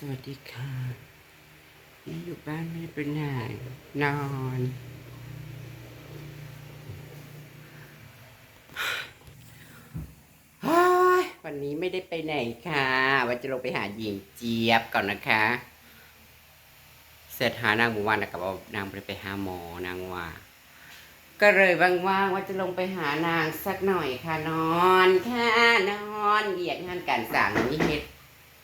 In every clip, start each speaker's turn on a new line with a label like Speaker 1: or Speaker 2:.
Speaker 1: วัสดีค่ะนี่อยู่บ้านไม่เป็นไหนนอนวันนี้ไม่ได้ไปไหนค่ะว่าจะลงไปหาหญิงเจี๊ยบก่อนนะคะเสร็จหานางหมู่วันแล้วกับว่านางไปหาหมอนางว่าก็เลยว่างๆว่าจะลงไปหานางสักหน่อยค่ะนอนค่ะนอนเหยียดงานการสั่งนี่เฮ็ด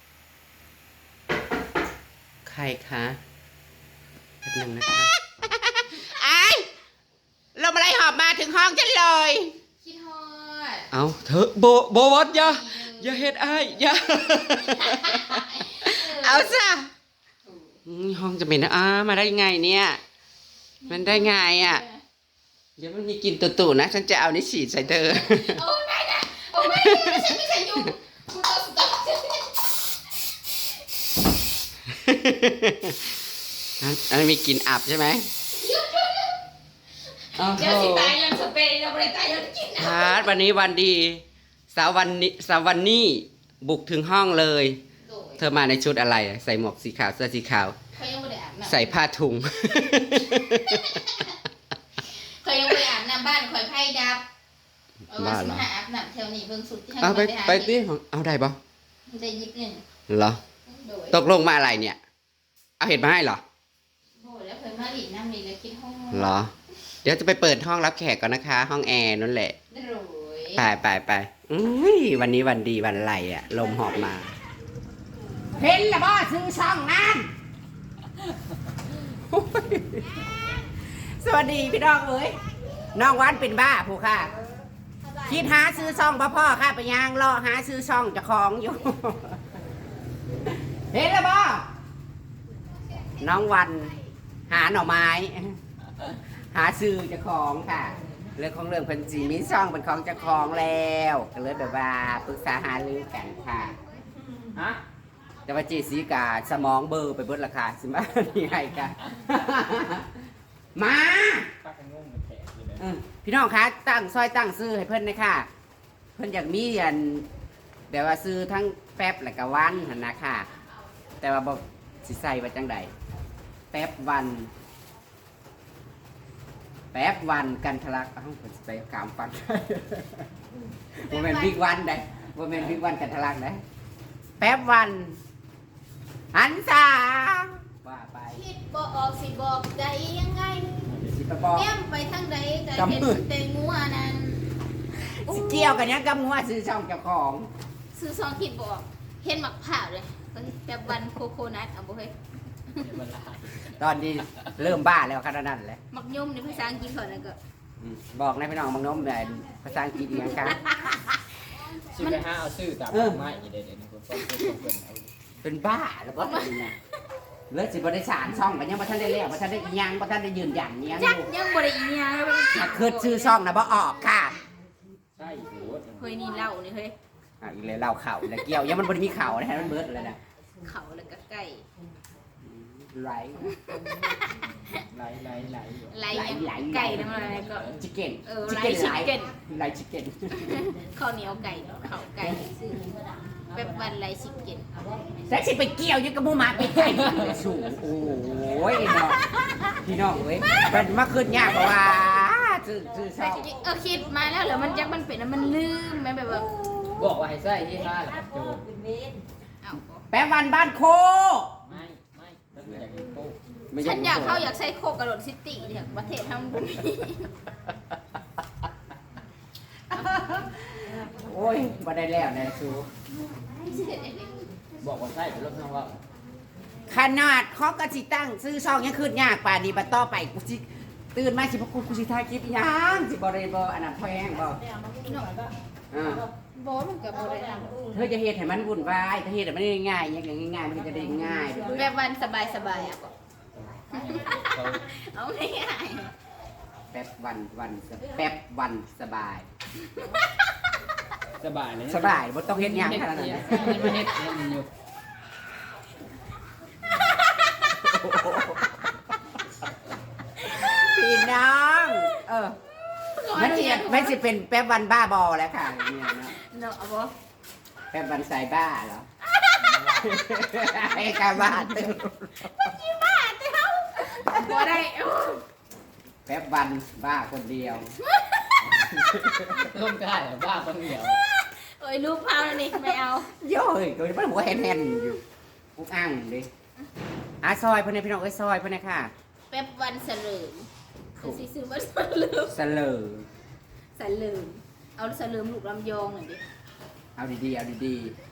Speaker 1: ใครคะแป๊บนึงนะคะไอ้ลมอะไรหอบมาถึงห้องฉันเลย
Speaker 2: คิดฮอด
Speaker 1: เอาเธอโบวัดอย่าเฮ็ดอ้ายอย่าเอาซะห้องจะเป็นมาได้ไงเนี่ยมันได้ไงอ่ะเดี๋ยวมันมีกินตู่ๆนะฉันจะเอานี่ฉีดใส่เธอ
Speaker 2: โอ้ไม่นะโอ้ไม่นะฉันไม่ใช่ยุงคุณเอาสุด
Speaker 1: อันนี้มีกลิ่นอับใช่ไหม
Speaker 2: เดี๋ยวสิตายยังสเปรย์เราไม่ได้ตายยังกิน
Speaker 1: นะวันนี้วันดีสาววันนี้บุกถึงห้องเลยเธอมาในชุดอะไรใส่หมวกสีขาวเสื้อสีขาว
Speaker 2: เขายังไม่ได้อาบน้ำ
Speaker 1: ใส่ผ้าถุง
Speaker 2: เขายังไม่ได้อาบน้ำบ้านคอยไพ่ดับบ้านหาอาบน้ำแถวนี้เบิ่งสุดที่
Speaker 1: เอาไปดิเอาได้ปะ
Speaker 2: ได้ยิบหนึ่ง
Speaker 1: เหรอตกลงมาอะไรเนี่ยเอาเห็ดมาให้เหรอ
Speaker 2: โอ้แล้วเคยมาหลีน้ำนี่แล้วคิดห้อง
Speaker 1: เหรอเดี๋ยวจะไปเปิดห้องรับแขกก่อนนะคะห้องแอร์นั่นแหละไปวันนี้วันดีวันไหลอ่ะลมหอบมาเห็นแล้วบ่ซื้อช่องนั้นสวัสดีพี่น้องเอ้ยน้องวันเป็นบ้าผู้ค่ะคิดหาซื้อช่องพ่อค่ะไปย่างรอหาซื้อช่องจะคล้องอยู่เห็นแล้วบ่น้องวันหาหน่อไม้หาซื้อจะคล้องค่ะเรื่องของเรื่องเพิ่นจีมีช่องเป็นของจะคล้องแล้วก็เลยแบบว่าปรึกษาหารือกันค่ะฮะแต่ว่าเจสีกาสมองเบอร์ไปเบิดราคาสิมาที่ไงกันมาพี่น้องคะตั้งซอยตั้งซื้อให้เพิ่นเลยค่ะเพิ่นอยากมีอันแบบว่าซื้อทั้งแป๊บและก็วันหั่นนะค่ะแต่ว่าบอกสิใส่ว่าจังใดแป๊บวันกันทะลักเอ้าเพิ่นสิไปกามฟังบ่แม่นบิ๊กวันได้บ่แม่นบิ๊กวันกันทะลักได้แป๊บวันหันษาว่าไป
Speaker 2: คิดบ่ออกสิบอกใจยังไง
Speaker 1: สิไปบอก
Speaker 2: แก้มไปทางใดแต่เห็นแต่งัวนั้น
Speaker 1: สิเกี่ยวกันยังกับงัวซื้อช่องเจ้าของ
Speaker 2: ซื้อซองคิดบ่ออกเห็นหมักผ่าเลยแบบวันโคโคนัทเอาบ่เฮ้ย
Speaker 1: ตอนนี้เริ่มบ้าแล้วขนาดนั้นแหละ
Speaker 2: หมักยุ่มในภาษาอังกฤษก่อนนะก็
Speaker 1: บอกนะพี่น้องมักนมแบบภาษาอังกฤษอีกอย่างครับ
Speaker 3: ชื่อไปหาเอาชื่อตามไม้เด็ดๆ
Speaker 1: เป็นบ้าแล้วก็เป็นไงเลือดสิบริสารช่องกันยังบ่ทันได้เลี้ยงบ่ทันได้ยังบ่ทันได้ยืนยันยัง
Speaker 2: ยังบ่ได้อีหยัง
Speaker 1: ถ้าคือชื่อช่องนะบ่ออกค่ะ
Speaker 3: ใช่โห
Speaker 2: เฮ้ยนี่เล่านี่เฮ้ย
Speaker 1: อีเลยเล่าเข่าแล้วเกี่ยวยังมันบ่ได้มีเข่านะฮะมันเบิดเลยนะ
Speaker 2: เข่าแล้วก็ไก่
Speaker 1: ไหล
Speaker 2: ไก่น้ำอะไรก็
Speaker 1: ชิคเก้นไหลชิคเก้น
Speaker 2: ข้าวเหนียวไก่ข้าวไก่แบบวันไรชิคเก้น
Speaker 1: แล้วสิไปเกี่ยวยังกับหมูหมาไปไก่สูงโอ้ยพี่น้องเว้ยมันมาขึ้นยากเพราะว่าซื้อช่อง
Speaker 2: คิดมาแล้วเหรอมันจักมันเป็นมันลืมมันแบบว่า
Speaker 3: บอกว่าให้ใส่ที่ห้าหลักโจ
Speaker 1: แป๊บวันบ้านโค
Speaker 2: ฉันอยากเข้าอยากใช้โคกระโดดซิตี้เนี่ยประเทศทำบุญ
Speaker 1: โอ้ยบ่ได้แล้วนะซู
Speaker 3: บอกว่าใส่เป็นรถน้องว่า
Speaker 1: ขนาดเขากระสิตั้งซื้อช่องยังขึ้นยากป่านนี้บัดต่อไปกูสิตื่นมาสิพวกกูสิถ่ายคลิปยังสิบ่ได้บ่อันนั้นแพงบ่
Speaker 2: บ่มันก็บ่ได้
Speaker 1: เธอจะเฮ็ดให้มันวุ่นวายถ้าเฮ็ดให้มันง่ายๆอย่างง่ายๆมันจะได้ง่าย
Speaker 2: แบบวันสบายๆอ่ะเอาง่าย
Speaker 1: แป๊บวันสบาย
Speaker 3: เลย
Speaker 1: สบายบ่ต้องเฮ็ดหยังขนาดนั้น
Speaker 3: มันเฮ็ดมันอยู่
Speaker 1: พี่น้องไม่สิเป็นแป๊บวันบ้าบอแล้วค่ะเนี่ย
Speaker 2: เนาะเอาบ่
Speaker 1: แป๊บวันใส่บ้าเหรอไอ้กาบ้าตึง
Speaker 2: บ่ได้
Speaker 1: แป๊บวันบ้าคนเดียว
Speaker 3: ร่วมได้เหรอบ้าคนเดียว
Speaker 2: เอ้ยลูกพาวแล้วนี่ไม่เอา
Speaker 1: โย่ยตัวนี้มันหัวแหนๆอยู่ปุ๊กอ้างดิซอยเพื่อนพี่น้องเอ้ยซอยเพื่อนค่ะ
Speaker 2: แป๊บวันเสลิมคือสิซื้อมาเสลิม
Speaker 1: เสลอ
Speaker 2: เสลิมเอาเสลิมลูกลำยองหน่อยดิ
Speaker 1: เอาดีๆเอาดี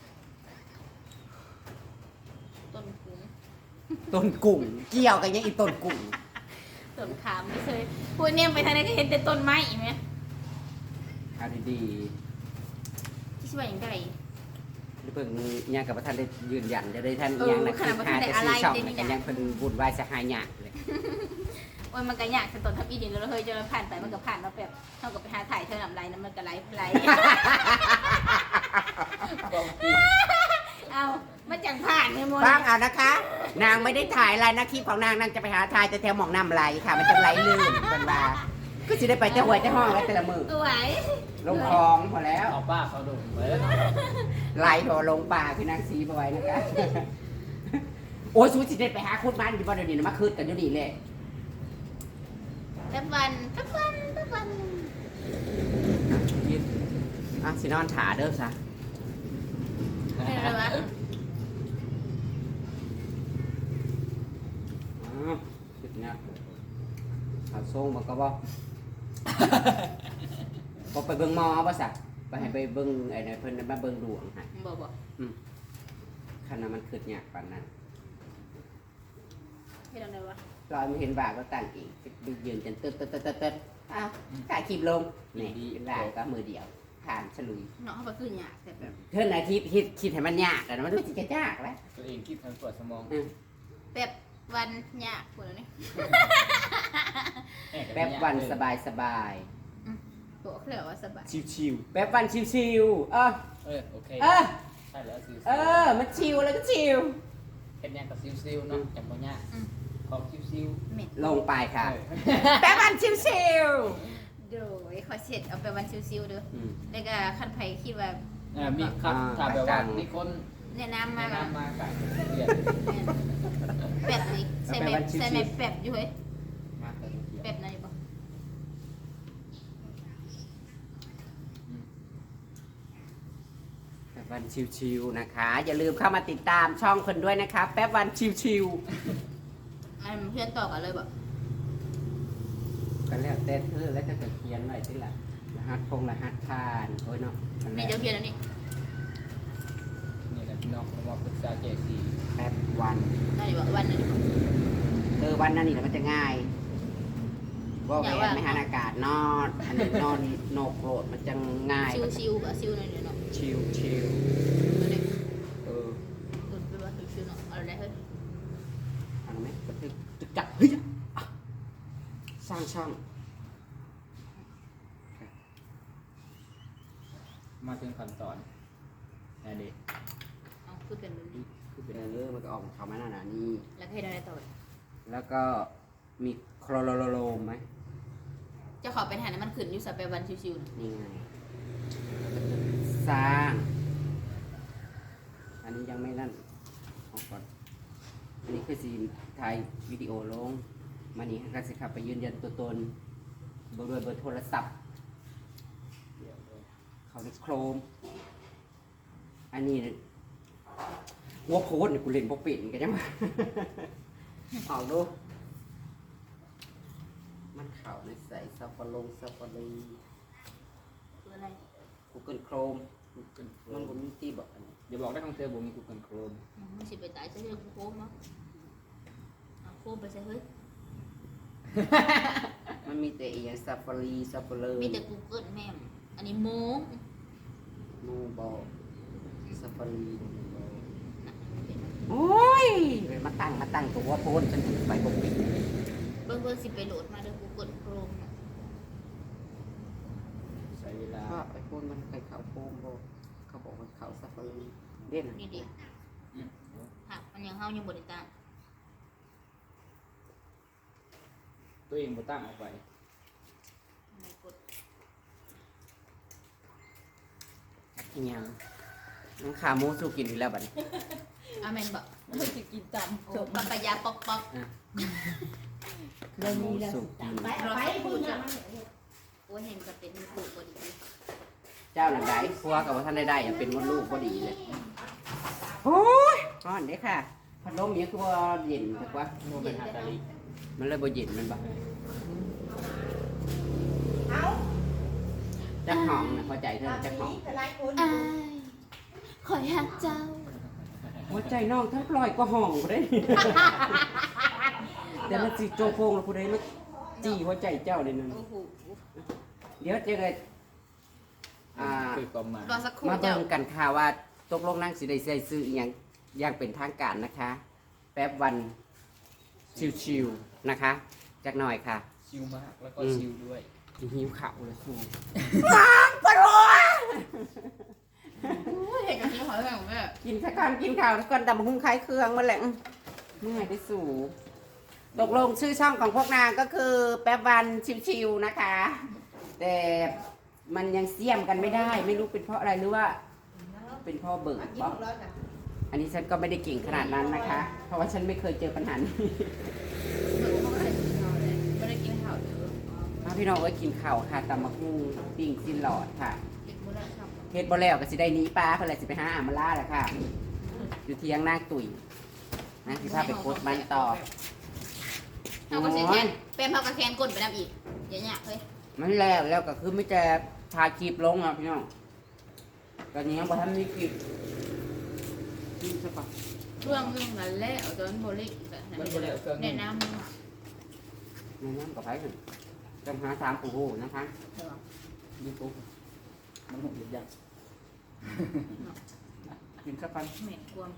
Speaker 2: ต้นคุ้ง
Speaker 1: ๆต้นกุ้งเกี่ยวกันยังอีต้นกุ้ง
Speaker 2: ต้นขามไม่เคยพูดเนี่ยไปทางไหนก็เห็นแต่ต้นไม้อีกไหม
Speaker 1: เอาดี
Speaker 2: ที่ช่วยอย่างไร
Speaker 1: ๆเพิ่งยังกับท่านได้ยืนยันจะได้ท่านยังนะ
Speaker 2: ขนาดว่าท่านได้อะไร
Speaker 1: ช่อง
Speaker 2: เต็ม
Speaker 1: นะ
Speaker 2: อ
Speaker 1: กั
Speaker 2: ย่าง
Speaker 1: นยังเพิ่นบุญวายสหายหยาเลย
Speaker 2: โอ้ยมันก็ยากแต่ต้นทับอีดินแล้วเราเคยเจอผ่านไปมันก็ผ่านมาแบบเท่ากับไปหาถ่ายเท่าน้ำไรนะมันก็ไหลไหล
Speaker 3: บอกจริง
Speaker 2: เอามันจังผ่านไงโม
Speaker 1: ฟังเอานะคะ นางไม่ได้ถ่ายอะไรนะคลิปของนางนางจะไปหาถ่ายแต่แถวหมองน้ำไหลค่ะ มันจะไหลลื่นเป็นว่าก็จะได้ไปแต่หัวแต่ห้องแล้วแต่ละมือ
Speaker 2: ไหว
Speaker 1: ลงคลองพอแล้ว
Speaker 3: เอาป้าเขาดุไว้แล้ว
Speaker 1: ไหลโถลงป่าคือนางสีบอยนะคะ โอ้ยสูสิได้ไปหาคุดมันอยู่บ้านเดี๋ยวนี้นะมาคืดกันอยู่นี่เลย
Speaker 2: แป๊บวันแป๊บวันแป๊บวัน
Speaker 1: สินอนถาเด้อซะ
Speaker 2: เป็นอะไรวะ
Speaker 1: คิดเนี่ยเอาส่งมาก็บอกบอกไปเบิ่งหมอป่ะสักไปให้ไปเบิ่งไอ้เนี่ยเพิ่นมาเบิ่งดวงให้
Speaker 2: บอก
Speaker 1: ขนาดมันคืดยากปานนั้น
Speaker 2: เป็นอะไรวะ
Speaker 1: รอยมันเห็นบาก็ตั้งอีกยืนจนตึ๊ดตึ๊ดตึ๊ดตึ๊ดตึ๊ดอ้าวถ่ายคลิปลงนี่เป็นบาก็มือเดียวผ่านฉลุย
Speaker 2: เนาะเขาไปขึ้นยากแต่แบบ
Speaker 1: เท่านาทีคิดให้มันยากแต่มันรู้สึกจะยากแล้ว
Speaker 3: ตัวเองคิดทางปวดสมอง
Speaker 2: แบบวันยากปวดนี่
Speaker 1: แป๊บวันสบายสบาย
Speaker 2: บอกเขาเลยว่าสบาย
Speaker 3: ชิว
Speaker 1: แป๊บวันชิวๆ
Speaker 3: โอเค
Speaker 1: เออ
Speaker 3: ใช่แล้วซิว
Speaker 1: มันชิวแล้วก็ชิว
Speaker 3: เห็นยังกับซิวเนาะจำบ่ยากของซิว
Speaker 2: เหม็น
Speaker 1: ลงไปค่ะ แป๊บวันชิว
Speaker 2: โดยขอเสร็จเอาไปวันซิวๆเด้อ
Speaker 1: ๆ
Speaker 2: แล้วก็คันไผคิดว่า
Speaker 3: มีครับถ้าแบบว่ามีคน
Speaker 2: แนะนำมา
Speaker 3: แนะ
Speaker 2: แบบ
Speaker 3: นำมากับเปลี่ยน
Speaker 2: แบบนี้ใส่แบบใส่แบบแบบอยู่เฮ้ย
Speaker 3: มากับเปลี่ยน
Speaker 2: แบบไหนบ่
Speaker 1: แป๊บวันชิวๆนะคะ อย่าลืมเข้ามาติดตามช่องคนด้วยนะคะ แป๊บวันชิว
Speaker 2: อันเพื่อนต่อกันเลยบ่
Speaker 1: ๆก็แล้วแต่เธอแล้วจะเขียนไว้ที่ละรหัสรหัสผ่านโอ้ยเนาะนั่นแห
Speaker 2: นี่
Speaker 1: ละ
Speaker 2: เจ้าเพียนอันนี้
Speaker 3: นี่แหละพี่น้องเรามาปรึกษาเจซี
Speaker 1: แป๊บวัน
Speaker 2: นั่นอยู่บ่วันนั้นอยู่บ่
Speaker 1: วันนั้นนี่แหละมันจะง่ายว่าแหวนไม่หันอากาศนอนอันนี้นอนโนกโกรธมันจะง่าย
Speaker 2: ซิวๆบ่ซิวหน่อยเนาะ
Speaker 1: ชิว
Speaker 2: ตัวนี้
Speaker 1: ๆเออ
Speaker 2: ตัวเป็นว่าซิวๆเนาะเอาได้เฮ้ย
Speaker 1: เอาไหมจะจับเฮ้ยอ่ะสร้างช่อง
Speaker 3: มาถึงขั้นตอนนั่นเด็
Speaker 2: เอาคือเป็นแบบนี้
Speaker 1: คือเป็นเรื่องมันก็ออกเขามาหนาๆนี่
Speaker 2: แล้วให้ได้ต่อ
Speaker 1: แล้วก็มีโครโลมไหม
Speaker 2: จะขอเป็นหาน้ำมันขึ้นอยู่สับไปวันชิวๆนะ
Speaker 1: นี่ไงสร้าง อันนี้ยังไม่นั่นออกก่อนอันนี้คือสีถ่ายวิดีโอลงมานี่ก็สิครับไปยืนยันตัวตนเบอร์โทรศัพท์ เขาในโครม อันนี้หัวโค้ดเนี่ยกูเล่นพวกปิ่นกันยังไง เอาดู มันเข่าในใส่ซัฟฟารี
Speaker 2: คืออะไร
Speaker 1: Google Chrome มันบนมีตีบอกอันนี้
Speaker 3: อย่าบอกได้ของเธอผมมี Google Chrome
Speaker 2: มันสิไปตายซะเรื่องโค้งเนาะเอาโค้งไปใส่เฮ้ย
Speaker 1: มันมีแต่อีอย่างซัฟฟารี
Speaker 2: มีแต่ Google แม่มอันนี้โม้ง
Speaker 1: นูบอกซัฟฟารี
Speaker 2: น่ะ
Speaker 1: โอ้ยเลยมาตั้งตัวโพสฉันถึงไปพวกปิ่น
Speaker 2: เบิ่งสิไปโหลดมาด้วย Google Chrome น่ะ
Speaker 3: ใช้เวลา
Speaker 1: ก็ไอ้พวกมันไปเขาโพมบอกเขาบอกว่าเขาซัฟฟารีเด่น
Speaker 2: นี่ดิหักมันยังเฮายังบ่ได้ตั้ง
Speaker 3: ตัวเองบ่ตั้งออกไป
Speaker 2: ไม่กด
Speaker 1: อีหยังน้องขาหมูสู้กินอีกแล้วบัดนี้
Speaker 2: อาเมนบอก
Speaker 4: เฮ้ยจะกินต
Speaker 2: โอ้ปะปะยาปอกปอก
Speaker 1: เรื่องนี้แล้วสุกิน
Speaker 4: ำไปพูดนะ
Speaker 2: โอ้ยเห็นก็เป็นมือปลูกพอดี
Speaker 1: เจ้าหนังใดพัวกับว่าท่านได้อย่าเป็นมดลูกก็ดีเลยโอ้ยก้อนเด้ค่ะพัดลมนี้คือว่าเย็นถูกปะ
Speaker 3: โมเป็นฮาตาลิ
Speaker 1: มันเลยบ่เย็นมันปะ
Speaker 4: เอา
Speaker 1: จักห้องนะพอใจเธอจักห้อง
Speaker 4: แต่หลายคน
Speaker 2: อ้ายขอยหักเจ้า
Speaker 1: หัวใจน้องทั้งปล่อยก็ห้องกูได้ เดี๋ยวมันสิโจโฟงแล้วกูได้มันจี้หัวใจเจ้าเลยนึง
Speaker 2: โอ้โห
Speaker 1: เดี๋ยวเจะเลยอ่า
Speaker 3: คือความหมาย
Speaker 2: รอสักครู่
Speaker 1: มา
Speaker 2: เจ้า
Speaker 1: เบิ่งกันค่ะว่าตกลงนั่งสิได้ใส่ซื้ออหย่างอย่างเป็นทางการนะคะ แป๊บวันชิวๆนะคะจักหน่อยค่ะ
Speaker 3: ชิวมากแล้วก็ชิวด้วย
Speaker 1: หิวข้าวเลยครู
Speaker 2: เห็นกันนี้ขอแบ่งแม่
Speaker 1: กินสักก่อนกินข้าวสักก่อนดำหุ้งคล้ายเครื่องมาแหละเมื่อยได้สู่ตกลงชื่อช่องของพวกนางก็คือแป๊บวันชิวๆนะคะ แต่มันยังเสี่ยมกันไม่ได้ ไม่รู้เป็นเพราะอะไรหรือว่า เป็นเพ่อเบิก
Speaker 4: กิน
Speaker 1: เปล่า
Speaker 4: หมดแล้วจ้ะ
Speaker 1: อันนี้ฉันก็ไม่ได้เก่งขนาดนั้นนะคะ เพราะว่าฉันไม่เคยเจอปัญหานี้
Speaker 2: ไม่ได้กินข้าวเยอะ
Speaker 1: มาพี่น้องเอ้ยกินข้าวค่ะตำมะฮุ่งปิ้งซินหลอดค่ะ
Speaker 2: เด็กมื้อละครับ
Speaker 1: เฮ็ดบ่แล้วก็สิได้หนีปลาเพิ่นเลยสิไปหาอามาล่าแหละค่ะ อยู่เที่ยงนางตุ๋ยนะสิพาไปโคตรมันต่อ
Speaker 2: เอาก็เสียแคนเป็นเท่ากับแคนก้นไปน้ำอีกอย่างเงี้ยเฮ้ย
Speaker 1: มันแล้วก็คือไม่จะถ่ายคลิปลงอ่ะพี่น้องตอนนี้ยังบ่ทันมีคลิปกินซะก่อน
Speaker 2: เรื่องนั้นแหละเอาตอนโบลิ่ง
Speaker 3: มันบ่ได้เอาเครื่อง
Speaker 2: แนะนำ
Speaker 1: แนะนำกับไผขึ้นจำหาสามผู้ฮู้นะคะ
Speaker 3: ยูทูบมันหกอย่าง
Speaker 1: กินซะก่อน
Speaker 2: เหม็นกวม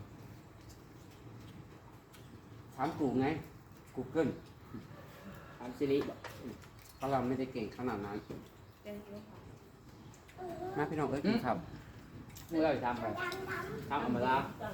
Speaker 1: ถามกูไง Google
Speaker 3: ถามซิริบอก
Speaker 1: เพราะเราไม่ได้เก่งขนาดนั้น
Speaker 2: เป็นกินข้าว
Speaker 1: มาพี่น้องเอ้ยกินข้าว
Speaker 3: เมื่อเราจะทำไปทำอมรา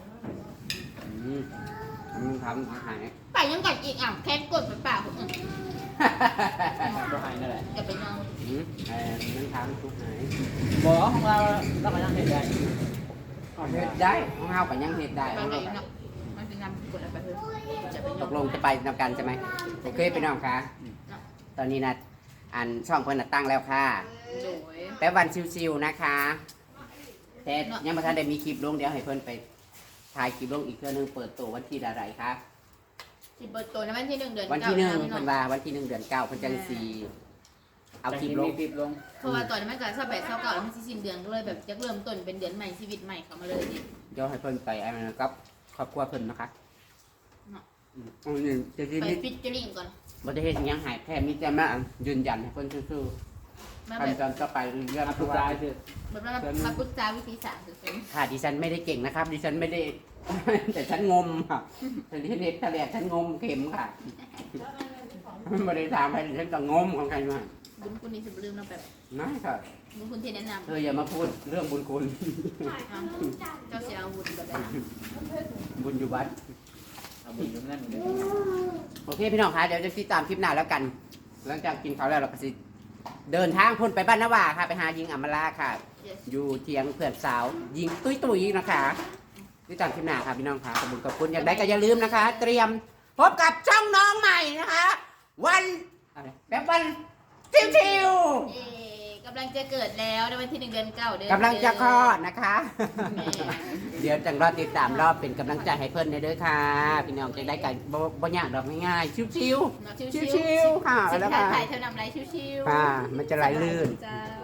Speaker 1: มันทำหาย
Speaker 2: ไปยังกัดอีกอ่ะแคนก้นไปเปล่าอืม
Speaker 3: ก็ให้นั่นแหละ
Speaker 2: อย่าไปนอน
Speaker 1: มันทำทุกหาย
Speaker 3: บอกของเราเราก็ยังเห็นได้
Speaker 1: เฮ็ดได้ของเฮาก็ยังเฮ็ดได้
Speaker 2: ไปไหนเนาะมันเป็นนำกดอะไรไปเถอะจะไปน
Speaker 1: ต
Speaker 2: อน
Speaker 1: กลงจะไปนำกันใช่ไหมโอเคพี่น้องคะตอนนี้นะอันช่องเพิ่นน่ะตั้งแล้วค่ะ
Speaker 2: โดย
Speaker 1: แป๊บวันชิวๆนะคะแต่ยังไม่ทันได้มีคลิปลงเดี๋ยวให้เพิ่นไปถ่ายคลิปลงอีกเทื่อนึงเปิดตัววันที่อะไรคะ
Speaker 2: ที่เปิดตัวในวันที่ 1 เดือน
Speaker 1: วันที่หนึ่ง
Speaker 2: เก้า
Speaker 1: เพิ่นว่าวันที่1 เดือน 9เพิ่นจังสีเอาคลิปลง
Speaker 3: คลิปลง
Speaker 2: เพราะว่าตอนนี้มันก็28 29แล้วมันสิสิ้นเดือนก็เลยแบบจะเริ่มต้นเป็นเดือนใหม่ชีวิตใหม่เข้ามาเลยดิ
Speaker 1: เดี๋ยวให้เพิ่นไปอันนั้นกับครอบครัวเพิ่นนะคะอันนี้จะที่
Speaker 2: ไป
Speaker 1: นี่
Speaker 2: ฟิชเจอริ่งก่อน
Speaker 1: บ่ได้เฮ็ดหยังหายแค่มีแต่มายืนยันให้เพิ่นซื่อ
Speaker 2: มา
Speaker 1: ๆ
Speaker 2: แบบ
Speaker 1: ทำจนต่อไปเรื่อง
Speaker 3: อัพ
Speaker 1: ทุก
Speaker 3: ไล
Speaker 1: ราย
Speaker 3: น์คือ
Speaker 2: แบบว่ามาปรึกษาวิธีสารคือเป็น
Speaker 1: ค่ะดิฉันไม่ได้เก่งนะครับ ดิฉันไม่ได้ แต่ฉันงมค่ะแต่ที่เน็ตทะเลฉันงมเข็มค่ะไม่ได้ถามให้ดิฉันก็งมของใครมา
Speaker 2: บุญคุณนี่สิบลืมเนาะแบบ
Speaker 1: ไม่ค่ะ
Speaker 2: บุญคุณที่แนะน
Speaker 1: เธออย่ามาพูดเรื่องบุญคุณ
Speaker 2: ำเจ้าเสียอาวุธแบบนั้น
Speaker 1: บุญอยู่วัด
Speaker 3: เอาบุญอยู่นั่นเลย
Speaker 1: โอเคพี่น้องคะเดี๋ยวจะติดตามคลิปหน้าแล้วกัน หลังจากกินข้าวแล้วเราก็สิเดินทางพุ่นไปบ้านนาวาค่ะ ไปหายิงอมราค่ะ อยู่เทียงเพื่อนสาว ยิงตุ้ยๆนะคะติดตามคลิปหน้าค่ะพี่น้องค่ะขอบคุณขอบคุณอย่างไรก็อย่าลืมนะคะ เตรียมพบกับช่องน้องใหม่นะคะ วันอะไรแบบวันชิว
Speaker 2: เย่กำลังจะเกิดแล้วในวันที่1 เดือน 9 เดือน
Speaker 1: ๆกำลังจะคลอดนะคะ
Speaker 2: แม่
Speaker 1: เดี๋ยวจังรอติดตามรอบเป็นกำลังใจให้เพื่อนในเด้อค่ะ พี่น้องจะได้กันบ่ยากดอกง่ายๆชิว
Speaker 2: เนาะ
Speaker 1: ๆ
Speaker 2: ชิว
Speaker 1: ชิวๆค่ะ
Speaker 2: ๆสิน
Speaker 1: แล้ว
Speaker 2: ค้า
Speaker 1: ค่ะ
Speaker 2: ไทยเท่านำไรชิวๆ
Speaker 1: ค่ะมันจะไหลลื่น
Speaker 2: เจ้า